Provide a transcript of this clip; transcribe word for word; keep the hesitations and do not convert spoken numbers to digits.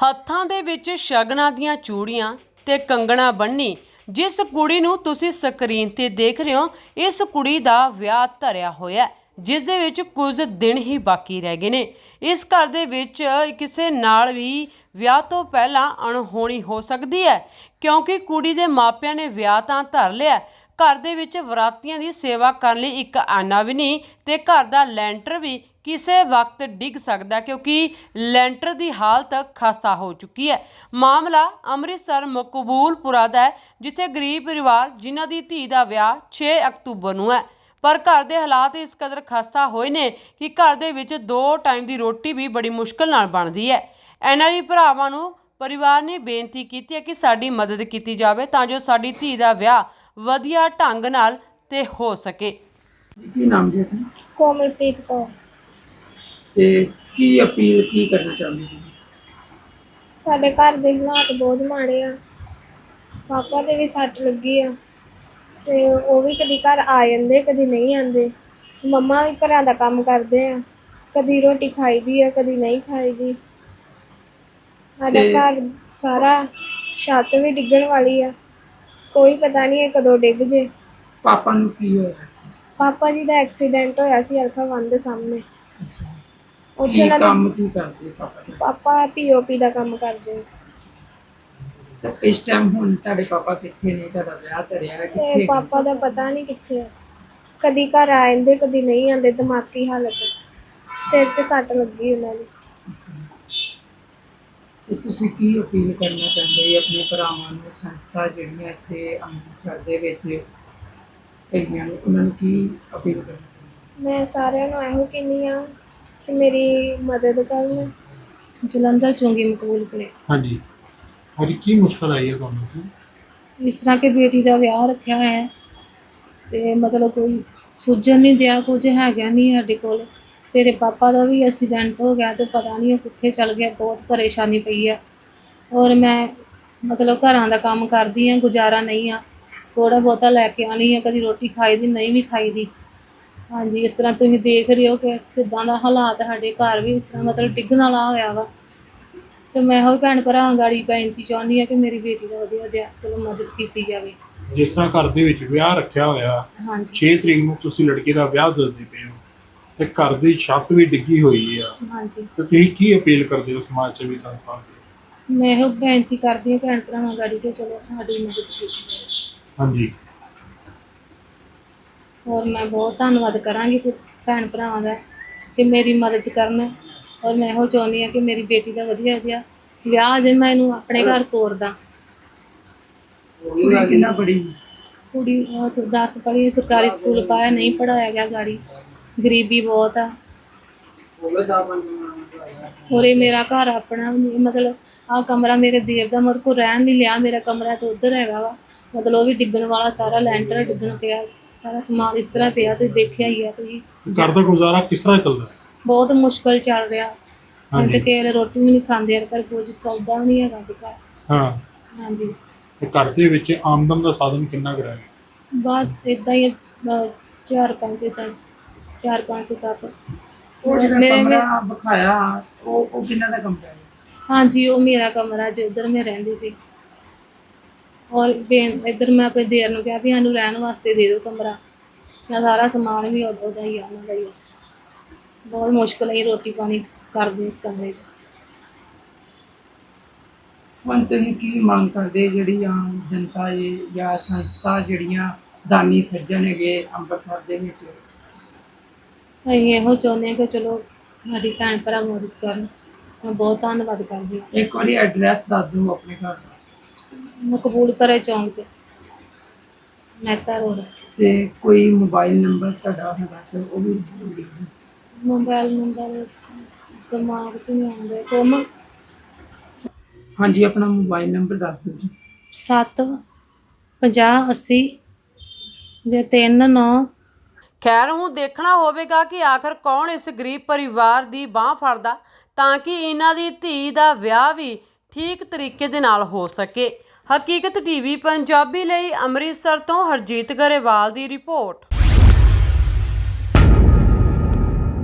ਹੱਥਾਂ ਦੇ ਵਿੱਚ ਸ਼ਗਨਾਂ ਦੀਆਂ ਚੂੜੀਆਂ ਤੇ ਕੰਗਣਾ ਬੰਨੀ ਜਿਸ ਕੁੜੀ ਨੂੰ ਤੁਸੀਂ ਸਕਰੀਨ ਤੇ ਦੇਖ ਰਹੇ ਹੋ, ਇਸ ਕੁੜੀ ਦਾ ਵਿਆਹ ਧਰਿਆ ਹੋਇਆ ਜਿਸ ਦੇ ਵਿੱਚ ਕੁਝ ਦਿਨ ਹੀ ਬਾਕੀ ਰਹਿ ਗਏ ਨੇ। ਇਸ ਘਰ ਦੇ ਵਿੱਚ ਕਿਸੇ ਨਾਲ ਵੀ ਵਿਆਹ ਤੋਂ ਪਹਿਲਾਂ ਅਣਹੋਣੀ ਹੋ ਸਕਦੀ ਹੈ, ਕਿਉਂਕਿ ਕੁੜੀ ਦੇ ਮਾਪਿਆਂ ਨੇ ਵਿਆਹ ਤਾਂ ਧਰ ਲਿਆ। ਘਰ ਦੇ ਵਿੱਚ ਵਰਾਤੀਆਂ ਦੀ ਸੇਵਾ ਕਰਨ ਲਈ ਇੱਕ ਆਨਾ ਵੀ ਨਹੀਂ ਤੇ ਘਰ ਦਾ ਲੈਂਟਰ ਵੀ ਕਿਸੇ ਵਕਤ ਡਿੱਗ ਸਕਦਾ, ਕਿਉਂਕਿ ਲੈਂਟਰ ਦੀ ਹਾਲਤ ਖਸਤਾ ਹੋ ਚੁੱਕੀ ਹੈ। ਮਾਮਲਾ ਅੰਮ੍ਰਿਤਸਰ ਮਕਬੂਲਪੁਰਾ ਦਾ ਹੈ, ਜਿੱਥੇ ਗਰੀਬ ਪਰਿਵਾਰ ਜਿਨ੍ਹਾਂ ਦੀ ਧੀ ਦਾ ਵਿਆਹ ਛੇ ਅਕਤੂਬਰ ਨੂੰ ਹੈ, ਪਰ ਘਰ ਦੇ ਹਾਲਾਤ ਇਸ ਕਦਰ ਖਸਤਾ ਹੋਏ ਨੇ ਕਿ ਘਰ ਦੇ ਵਿੱਚ ਦੋ ਟਾਈਮ ਦੀ ਰੋਟੀ ਵੀ ਬੜੀ ਮੁਸ਼ਕਿਲ ਨਾਲ ਬਣਦੀ ਹੈ। ਇਹਨਾਂ ਦੀ ਭਰਾਵਾਂ ਨੂੰ ਪਰਿਵਾਰ ਨੇ ਬੇਨਤੀ ਕੀਤੀ ਹੈ ਕਿ ਸਾਡੀ ਮਦਦ ਕੀਤੀ ਜਾਵੇ ਤਾਂ ਜੋ ਸਾਡੀ ਧੀ ਦਾ ਵਿਆਹ ਵਧੀਆ ਢੰਗ ਨਾਲ ਤੇ ਹੋ ਸਕੇ। ਕੀ ਨਾਮ ਜੀ? ਕੋਮਲਪ੍ਰੀਤ ਕੌਰ। ਤੇ ਕੀ ਅਪੀਲ ਕੀ ਕਰਨਾ ਚਾਹੁੰਦੇ ਹੋ? ਸਾਡੇ ਘਰ ਦੇ ਹਾਲਾਤ ਬਹੁਤ ਮਾੜੇ ਆ। ਪਾਪਾ ਦੇ ਵੀ ਸੱਟ ਲੱਗੀ ਆ ਤੇ ਉਹ ਵੀ ਕਦੀ ਘਰ ਆ ਜਾਂਦੇ ਕਦੀ ਨਹੀਂ ਆਉਂਦੇ। ਮੰਮਾ ਵੀ ਘਰਾਂ ਦਾ ਕੰਮ ਕਰਦੇ ਆ, ਕਦੀ ਰੋਟੀ ਖਾਈਦੀ ਆ ਕਦੀ ਨਹੀਂ ਖਾਈਦੀ। ਸਾਡਾ ਘਰ ਸਾਰਾ ਛੱਤ ਵੀ ਡਿੱਗਣ ਵਾਲੀ ਆ, ਕੋਈ ਪਤਾ ਨਹੀਂ ਕਦੋਂ ਡਿੱਗ ਜੇ। ਪਾਪਾ ਨੂੰ ਕੀ ਹੋਇਆ ਸੀ? ਪਾਪਾ ਜੀ ਦਾ ਐਕਸੀਡੈਂਟ ਹੋਇਆ ਸੀ ਅਲਫਾ ਵਨ ਦੇ ਸਾਹਮਣੇ। ਕੀ ਕੰਮ ਕੀ ਕਰਦੇ ਪਾਪਾ ਜੀ? ਪਾਪਾ ਪੀਓਪੀ ਦਾ ਕੰਮ ਕਰਦੇ। ਤੇ ਇਸ ਟਾਈਮ ਹੁਣ ਤੁਹਾਡੇ ਪਾਪਾ ਕਿੱਥੇ ਨੇ? ਤੁਹਾਡਾ ਵਿਆਹ ਧਰਿਆ ਹੈ ਕਿੱਥੇ? ਤੇ ਪਾਪਾ ਦਾ ਪਤਾ ਨਹੀਂ ਕਿੱਥੇ ਆ, ਕਦੀ ਘਰ ਆ ਜਾਂਦੇ ਕਦੀ ਨਹੀਂ ਆਉਂਦੇ। ਦਿਮਾਗੀ ਹਾਲਤ, ਸਿਰ 'ਚ ਸੱਟ ਲੱਗੀ ਉਹਨਾਂ ਦੀ। ਤੇ ਤੁਸੀਂ ਕੀ ਅਪੀਲ ਕਰਨਾ ਚਾਹੁੰਦੇ ਆਪਣੇ ਭਰਾਵਾਂ ਨੂੰ, ਸੰਸਥਾ ਜਿਹੜੀਆਂ ਇੱਥੇ ਅੰਮ੍ਰਿਤਸਰ ਦੇ ਵਿੱਚ ਹੈਗੀਆਂ ਨੇ, ਉਹਨਾਂ ਨੂੰ ਕੀ ਅਪੀਲ ਕਰਨਾ? ਮੈਂ ਸਾਰਿਆਂ ਨੂੰ ਇਹੋ ਕਹਿੰਦੀ ਹਾਂ ਕਿ ਮੇਰੀ ਮਦਦ ਕਰਨ। ਜਲੰਧਰ ਚੁੰਗੀ ਮਕਬੂਲਪੁਰੇ। ਹਾਂਜੀ ਹਾਂਜੀ, ਕੀ ਮੁਸ਼ਕਲ ਆਈ ਹੈ ਤੁਹਾਨੂੰ? ਇਸ ਤਰ੍ਹਾਂ ਕਿ ਬੇਟੀ ਦਾ ਵਿਆਹ ਰੱਖਿਆ ਹੈ ਤੇ ਮਤਲਬ ਕੋਈ ਸੁਝਣ ਨਹੀਂ ਦਿਆ, ਕੁਝ ਹੈਗਾ ਨਹੀਂ ਸਾਡੇ ਕੋਲ। ਤੇ ਇਹਦੇ ਪਾਪਾ ਦਾ ਵੀ ਐਕਸੀਡੈਂਟ ਹੋ ਗਿਆ ਤੇ ਪਤਾ ਨਹੀਂ ਉਹ ਕਿੱਥੇ ਚਲ ਗਿਆ। ਬਹੁਤ ਪਰੇਸ਼ਾਨੀ ਪਈ ਹੈ। ਔਰ ਮੈਂ ਮਤਲਬ ਘਰਾਂ ਦਾ ਕੰਮ ਕਰਦੀ ਹਾਂ, ਗੁਜ਼ਾਰਾ ਨਹੀਂ ਆ। ਥੋੜ੍ਹਾ ਬਹੁਤਾ ਲੈ ਕੇ ਆਉਣੀ ਹੈ, ਕਦੀ ਰੋਟੀ ਖਾਈ ਦੀ ਨਹੀਂ ਵੀ ਖਾਈ ਦੀ। ਹਾਂਜੀ, ਇਸ ਤਰ੍ਹਾਂ ਤੁਸੀਂ ਦੇਖ ਰਹੇ ਹੋ ਕਿ ਕਿੱਦਾਂ ਦਾ ਹਾਲਾਤ ਸਾਡੇ ਘਰ ਵੀ ਇਸ ਤਰ੍ਹਾਂ ਮਤਲਬ ਡਿੱਗਣ ਵਾਲਾ ਹੋਇਆ ਵਾ। ਤੇ ਮੈਂ ਇਹੋ ਭੈਣ ਭਰਾਵਾਂ ਗਾੜੀ ਬੇਨਤੀ ਚਾਹੁੰਦੀ ਹਾਂ ਕਿ ਮੇਰੀ ਬੇਟੀ ਦਾ ਵਧੀਆ ਵਧੀਆ ਚਲੋ ਮਦਦ ਕੀਤੀ ਜਾਵੇ। ਜਿਸ ਤਰ੍ਹਾਂ ਘਰ ਦੇ ਵਿੱਚ ਵਿਆਹ ਰੱਖਿਆ ਹੋਇਆ, ਹਾਂਜੀ ਛੇ ਤਰੀਕ ਨੂੰ ਤੁਸੀਂ ਲੜਕੇ ਦਾ ਵਿਆਹ ਦੱਸਦੇ ਪਏ ਹੋ ਤੇ ਘਰ ਦੀ ਛੱਤ ਵੀ ਡਿੱਗੀ ਹੋਈ ਆ, ਹਾਂਜੀ ਤੇ ਤੁਸੀਂ ਕੀ ਅਪੀਲ ਕਰਦੇ ਹੋ ਸਮਾਜ ਸੇਵੀ ਸੰਸਥਾ ਦੀ? ਮੈਂ ਇਹੋ ਬੇਨਤੀ ਕਰਦੀ ਹਾਂ ਭੈਣ ਭਰਾਵਾਂ ਗਾੜੀ ਕਿ ਚਲੋ ਸਾਡੀ ਮਦਦ ਕੀਤੀ ਜਾਵੇ। ਹਾਂਜੀ, ਔਰ ਮੈਂ ਬਹੁਤ ਧੰਨਵਾਦ ਕਰਾਂਗੀ ਭੈਣ ਭਰਾਵਾਂ ਦਾ ਕਿ ਮੇਰੀ ਮਦਦ ਕਰਨ। ਔਰ ਮੈਂ ਇਹੋ ਚਾਹੁੰਦੀ ਹਾਂ ਕਿ ਮੇਰੀ ਬੇਟੀ ਦਾ ਵਧੀਆ ਵਧੀਆ ਵਿਆਹ ਜੇ ਮੈਂ ਇਹਨੂੰ ਆਪਣੇ ਘਰ ਤੋਰਦਾ। ਕੁੜੀ ਕਿੰਨਾ ਬੜੀ? ਕੁੜੀ ਦਸ ਪੜ੍ਹੀ, ਸਰਕਾਰੀ ਸਕੂਲ ਪਾਇਆ, ਨਹੀਂ ਪੜ੍ਹਾਇਆ ਗਿਆ ਗਾੜੀ। ਗਰੀਬੀ ਬਹੁਤ ਆ। ਔਰ ਇਹ ਮੇਰਾ ਘਰ ਆਪਣਾ ਮਤਲਬ ਆਹ ਕਮਰਾ ਮੇਰੇ ਦੇਰ ਦਾ ਮੇਰੇ ਕੋਲ ਰਹਿਣ ਨਹੀਂ ਲਿਆ। ਮੇਰਾ ਕਮਰਾ ਤਾਂ ਉੱਧਰ ਹੈਗਾ ਵਾ, ਮਤਲਬ ਉਹ ਵੀ ਡਿੱਗਣ ਵਾਲਾ, ਸਾਰਾ ਲੈਂਟਰ ਡਿੱਗਣ ਪਿਆ, ਸਾਰਾ ਸਮਾਨ ਇਸ ਤਰ੍ਹਾਂ ਪਿਆ। ਤੁਸੀਂ ਦੇਖਿਆ ਹੀ ਆ। ਤੁਸੀਂ ਘਰ ਦਾ ਗੁਜ਼ਾਰਾ ਕਿਸ ਤਰ੍ਹਾਂ ਚੱਲਦਾ ਹੈ? ਬਹੁਤ ਮੁਸ਼ਕਲ ਚੱਲ ਰਿਹਾ। ਹੁਣ ਤੇ ਕਿਸੇ ਰੋਟੀ ਵੀ ਨਹੀਂ ਖਾਂਦੇ, ਯਾਰ ਘਰ ਕੁਝ ਸੌਦਾ ਵੀ ਨਹੀਂ ਹੈਗਾ ਘਰ। ਹਾਂ ਹਾਂਜੀ, ਤੇ ਘਰ ਦੇ ਵਿੱਚ ਆਮਦਨ ਦਾ ਸਾਧਨ ਕਿੰਨਾ ਕੁ ਰਹਿ ਗਿਆ? ਬਾਅਦ ਇੱਦਾਂ ਹੀ ਅਹ, ਚਾਰ ਪੰਜ ਇੱਦਾਂ ਚਾਰ ਪੰਜ ਸੌ ਤੱਕ। ਉਹ ਜਿਹੜਾ ਮੇਰੇ- ਕਮਰਾ ਵਿਖਾਇਆ ਉਹ ਉਹ ਕਿੰਨਾ ਦਾ ਕਮਰਾ ਹੈ? ਹਾਂਜੀ, ਉਹ ਮੇਰਾ ਕਮਰਾ ਜੋ ਉੱਧਰ ਮੈਂ ਰਹਿੰਦੀ ਸੀ। ਔਰ ਬੇਨ ਇੱਧਰ ਮੈਂ ਆਪਣੇ ਦੇਰ ਨੂੰ ਕਿਹਾ ਵੀ ਸਾਨੂੰ ਰਹਿਣ ਵਾਸਤੇ ਦੇ ਦਿਓ ਕਮਰਾ। ਮੈਂ ਸਾਰਾ ਸਮਾਨ ਵੀ ਉਹਦਾ ਹੀ ਆ, ਉਹਨਾਂ ਦਾ ਹੀ ਆ। ਬਹੁਤ ਮੁਸ਼ਕਿਲ ਹੈ ਰੋਟੀ ਪਾਣੀ ਕਰਦੇ ਇਸ ਕਮਰੇ 'ਚ। ਹੁਣ ਤੁਸੀਂ ਕੀ ਮੰਗ ਕਰਦੇ ਜਿਹੜੀ ਆਮ ਜਨਤਾ ਹੈ ਜਾਂ ਸੰਸਥਾ ਜਿਹੜੀਆਂ ਦਾਨੀ ਸੱਜਣ ਹੈਗੇ ਅੰਮ੍ਰਿਤਸਰ ਦੇ ਵਿੱਚ? ਅਸੀਂ ਇਹੋ ਚਾਹੁੰਦੇ ਹਾਂ ਕਿ ਚਲੋ ਸਾਡੀ ਭੈਣ ਭਰਾ ਮਦਦ ਕਰਨ। ਮੈਂ ਬਹੁਤ ਧੰਨਵਾਦ ਕਰਦੀ ਹਾਂ। ਇੱਕ ਵਾਰੀ ਐਡਰੈਸ ਦੱਸ ਦਿਓ ਆਪਣੇ ਘਰ ਦਾ। ਮਕਬੂਲਪੁਰੇ ਚੌਂਕ 'ਚ, ਮਹਿਤਾ ਰੋਡ। ਤੇ ਕੋਈ ਮੋਬਾਈਲ ਨੰਬਰ ਤੁਹਾਡਾ ਹੈਗਾ ਤੇ ਉਹ ਵੀ ਲਿਖ ਦਿਓ। ਮੋਬਾਈਲ ਨੰਬਰ ਦਿਮਾਗ 'ਚ ਨਹੀਂ ਆਉਂਦਾ। ਕੋਮ ਹਾਂਜੀ, ਆਪਣਾ ਮੋਬਾਈਲ ਨੰਬਰ ਦੱਸ ਦਿਓ ਜੀ। ਸੱਤ ਪੰਜਾਹ ਅੱਸੀ ਦੇ ਤਿੰਨ ਨੌ। ਖੈਰ ਹੁਣ ਦੇਖਣਾ ਹੋਵੇਗਾ ਕਿ ਆਖਰ ਕੌਣ ਇਸ ਗਰੀਬ ਪਰਿਵਾਰ ਦੀ ਬਾਂਹ ਫੜਦਾ ਤਾਂ ਕਿ ਇਹਨਾਂ ਦੀ ਧੀ ਦਾ ਵਿਆਹ ਵੀ ਠੀਕ ਤਰੀਕੇ ਦੇ ਨਾਲ ਹੋ ਸਕੇ। ਹਕੀਕਤ ਟੀਵੀ ਪੰਜਾਬੀ ਲਈ ਅੰਮ੍ਰਿਤਸਰ ਤੋਂ ਹਰਜੀਤ ਗਰੇਵਾਲ ਦੀ ਰਿਪੋਰਟ।